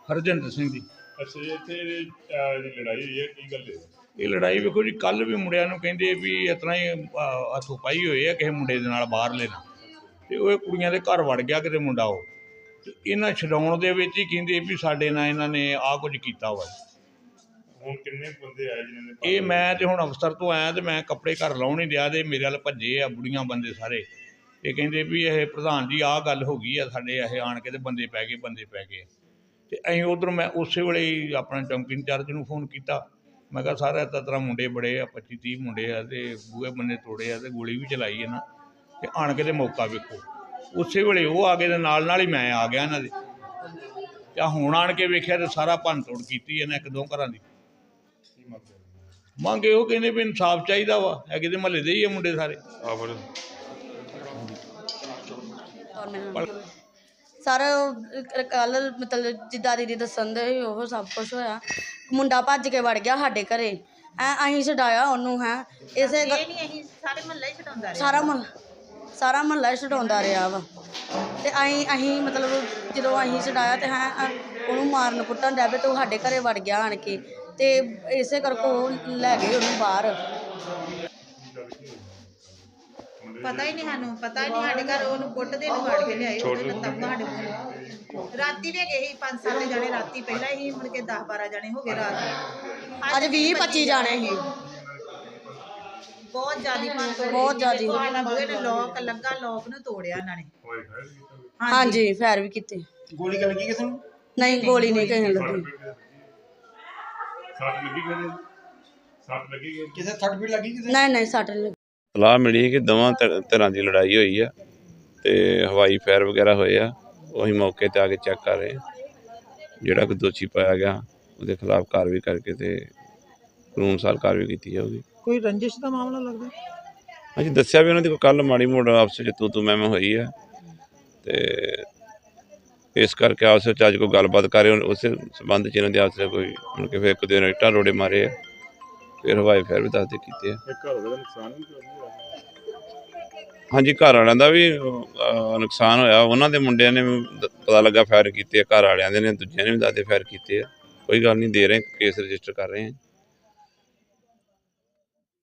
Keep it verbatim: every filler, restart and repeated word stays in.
हरजिंदर सिंह जी। अच्छा जी, इत्थे लड़ाई हुई है, की गल है? ये लड़ाई वेखो जी, कल भी मुंडिया नूं कहंदे भी इस तरह ही हथों पाई हुई है किसी मुंडे दे नाल बाहरले नाल, ते ओह कुड़ियां दे घर वड़ गया किते मुंडा ओह, ते इन्हां छडाउण दे विच ही कहंदे भी साडे नाल इन्हां ने आ कुछ कीता वा। हुण किन्ने बंदे आए जिन्हां ने? ये मैं तो हुण अफसर तो आया तो मैं कपड़े घर लाउण ही दिया, ते मेरे अल भज्जे आ बुढ़ियां बंदे सारे, ये कहंदे भी ये प्रधान जी आ गल हो गई है साडे, ये आण के ते बंदे पै गए बंदे पै गए। तो अं उधर मैं उस वे ही अपने चौंकी इंचार्ज में फोन किया, मैं कहा सारे इस तरह मुंडे बड़े आ, पच्ची तीह मुंडे आ, तो बूहे बंदे तोड़े आ, तो गोली भी चलाई है ना, तो आण के मौका वेखो। उस वे वो आ गए, नाल नाल ही मैं आ गया इन्हों के, हुण आण के वेख्या तो सारा भन तोड़ की इन्हें एक दो घर की। मंग यो कहने भी इंसाफ चाहिए वा, है कि महल्ले दे ही है मुंडे सारे। सर कल मतलब जिदा दीदी दसन दे वो सब कुछ होया, मुंडा भज के वड़ गया साडे घरे, हैं असीं छडाया ओनू, हैं इसे सारा महल सारा महल्ला ही छडाउंदा रहा वा, ते असीं असीं मतलब जदों असीं छडाया ते हैं ओनू मारन कुट्टन डै पे, तो साडे घरे वड़ गया आण के, ते इसे करके ओह लै गए ओनू बाहर। पता ही नहीं सानू, पता ही नहीं साडे घर ओनू कुੱਟਦੇ ਨੂੰ ਫੜ ਕੇ ਲਿਆਏ, ਉਹਦੇ ਲੱਤਾਂ ਸਾਡੇ ਕੋਲ ਰਾਤੀ ਵੀ ਗਏ ਸੀ ਪੰਜ ਸੱਤ ਜਣੇ, ਰਾਤੀ ਪਹਿਲਾਂ ਹੀ ਮੁੜ ਕੇ ਦਸ ਬਾਰਾਂ ਜਣੇ ਹੋ ਗਏ ਰਾਤ, ਅੱਜ ਵੀਹ ਪੱਚੀ ਜਾਣੇ ਸੀ, ਬਹੁਤ ਜ਼ਿਆਦੀ ਭੰਨ ਬਹੁਤ ਜ਼ਿਆਦੀ। ਬੂਹੇ ਨੇ ਲੋਕ ਲੱਗਾ, ਲੋਕ ਨੂੰ ਤੋੜਿਆ ਇਹਨਾਂ ਨੇ। ਹਾਂਜੀ ਫੈਰ ਵੀ ਕੀਤੇ। ਗੋਲੀ ਲੱਗੀ ਕਿਸੇ ਨੂੰ? ਨਹੀਂ ਗੋਲੀ ਨਹੀਂ ਕਿਸੇ ਨੂੰ ਲੱਗੀ। ਸੱਟ ਲੱਗੀ ਕਿਸੇ? ਸੱਟ ਲੱਗੀ ਕਿਸੇ ਸੱਟ ਪੀੜ ਲੱਗੀ ਕਿਸੇ? ਨਹੀਂ ਨਹੀਂ ਸੱਟ ਨਹੀਂ। ਸਲਾਹ ਮਿਲੀ ਕਿ ਦੋਵਾਂ ਧਿਰਾਂ ਦੀ ਲੜਾਈ ਹੋਈ ਆ, ਤੇ ਹਵਾਈ ਫਾਇਰ ਵਗੈਰਾ ਹੋਏ ਆ, ਉਹੀ ਮੌਕੇ ਤੇ ਆ ਕੇ ਚੈੱਕ ਕਰ ਰਹੇ ਆ, ਜਿਹੜਾ ਕੋਈ ਦੋਸ਼ੀ ਪਾਇਆ ਗਿਆ ਉਹਦੇ ਖਿਲਾਫ ਕਾਰਵਾਈ ਕਰਕੇ ਤੇ ਕਾਨੂੰਨ ਅਨੁਸਾਰ ਕਾਰਵਾਈ ਕੀਤੀ ਜਾਊਗੀ। ਕੋਈ ਰੰਜਿਸ਼ ਦਾ ਮਾਮਲਾ ਲੱਗਦਾ? ਅਸੀਂ ਦੱਸਿਆ ਵੀ ਉਹਨਾਂ ਦੀ ਕੋਈ ਕੱਲ੍ਹ ਮਾੜੀ ਮੋੜ ਆਪਸ ਵਿੱਚ ਤੂੰ ਤੂੰ ਮੈਂ ਮੈਂ ਹੋਈ ਆ, ਤੇ ਇਸ ਕਰਕੇ ਆਪਸ ਵਿੱਚ ਅੱਜ ਕੋਈ ਗੱਲਬਾਤ ਕਰ ਰਹੇ, ਉਸੇ ਸੰਬੰਧ 'ਚ ਇਹਨਾਂ ਦੀ ਆਪਸ ਵਿੱਚ ਕੋਈ ਮਤਲਬ ਕਿ ਫਿਰ ਇੱਕ ਦਿਨ ਇੱਟਾਂ ਰੋੜੇ ਮਾਰੇ ਆ, ਫਿਰ ਹਵਾਈ ਫਾਇਰ ਵੀ ਦੱਸਦੇ ਕੀਤੇ ਆ। ਹਾਂਜੀ ਘਰ ਵਾਲਿਆਂ ਦਾ ਵੀ ਨੁਕਸਾਨ ਹੋਇਆ, ਉਹਨਾਂ ਦੇ ਮੁੰਡਿਆਂ ਨੇ ਪਤਾ ਲੱਗਾ ਫਾਇਰ ਕੀਤੇ ਆ, ਘਰ ਵਾਲਿਆਂ ਦੇ ਨੇ, ਦੂਜਿਆਂ ਨੇ ਵੀ ਦੱਸਦੇ ਫਾਇਰ ਕੀਤੇ ਆ। ਕੋਈ ਗੱਲ ਨਹੀਂ, ਦੇ ਰਹੇ ਕੇਸ ਰਜਿਸਟਰ ਕਰ ਰਹੇ ਹਾਂ।